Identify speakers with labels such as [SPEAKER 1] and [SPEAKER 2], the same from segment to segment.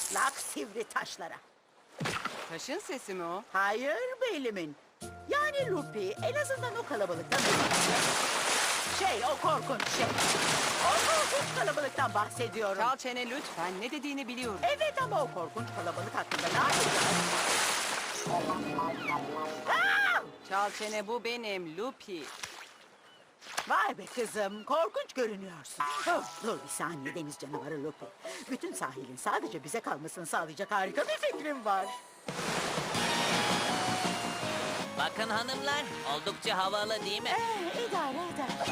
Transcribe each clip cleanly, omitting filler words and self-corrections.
[SPEAKER 1] Çatlak sivri taşlara.
[SPEAKER 2] Taşın sesi mi o?
[SPEAKER 1] Hayır beylimin. Yani Lupi en azından o kalabalıktan o korkunç şey. O korkunç kalabalıktan bahsediyorum.
[SPEAKER 2] Çal çene lütfen. Ne dediğini biliyorum.
[SPEAKER 1] Evet ama o korkunç kalabalık hakkında ne yapacağız? Aa!
[SPEAKER 2] Çal çene bu benim Lupi.
[SPEAKER 1] Vay be kızım, korkunç görünüyorsun. Oh, dur bir saniye deniz canavarı Lupi. Bütün sahilin sadece bize kalmasını sağlayacak harika bir fikrim var.
[SPEAKER 3] Bakın hanımlar, oldukça havalı değil mi?
[SPEAKER 1] İdare eder.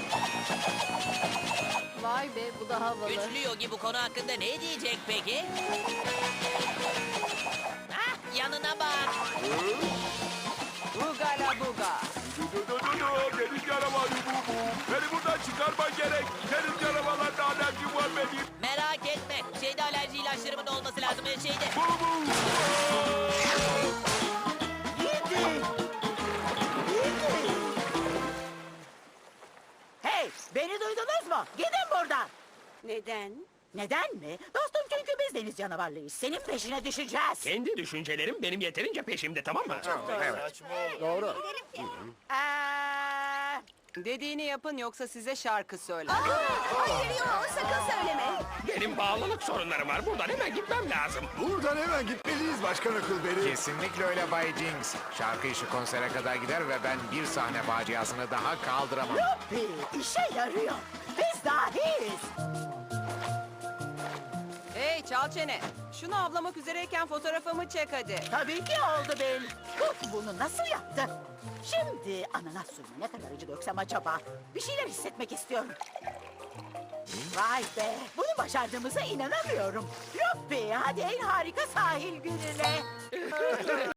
[SPEAKER 4] Vay be bu da havalı.
[SPEAKER 3] Güçlü Yogi bu konu hakkında ne diyecek peki? Ah, yanına bak.
[SPEAKER 2] Ugala buga.
[SPEAKER 5] Deniz canavarı bu. Beni buradan çıkarman gerek. Deniz canavarlarla alerjim var benim.
[SPEAKER 3] Merak etme, şeyde alerji ilaçlarımın olması lazım. Şeyde.
[SPEAKER 1] Gidin. Gidin. Hey, beni duydunuz mu? Gidin buradan.
[SPEAKER 4] Neden?
[SPEAKER 1] Neden mi? Dostum çünkü biz deniz canavarlıyız. Senin peşine düşeceğiz.
[SPEAKER 5] Kendi düşüncelerim benim yeterince peşimde, tamam mı?
[SPEAKER 2] Dediğini yapın yoksa size şarkı söyler.
[SPEAKER 4] Hayır yok sakın söyleme.
[SPEAKER 5] Benim bağlılık sorunlarım var. Buradan hemen gitmem lazım.
[SPEAKER 6] Buradan hemen gitmeliyiz Başkan Huckleberry.
[SPEAKER 7] Kesinlikle öyle Bay Jinx. Şarkı işi konsere kadar gider ve ben bir sahne faciasını daha kaldıramam.
[SPEAKER 1] Lupi, işe yarıyor. Biz dahiyiz.
[SPEAKER 2] Hey çal çene. Şunu avlamak üzereyken fotoğrafımı çek hadi.
[SPEAKER 1] Tabii ki oldu Bill. Bunu nasıl yaptı? Şimdi ananas suyuna ne kadar acı döksem acaba? Bir şeyler hissetmek istiyorum. Vay be, bunu başardığımıza inanamıyorum. Lupi, hadi en harika sahil gününe.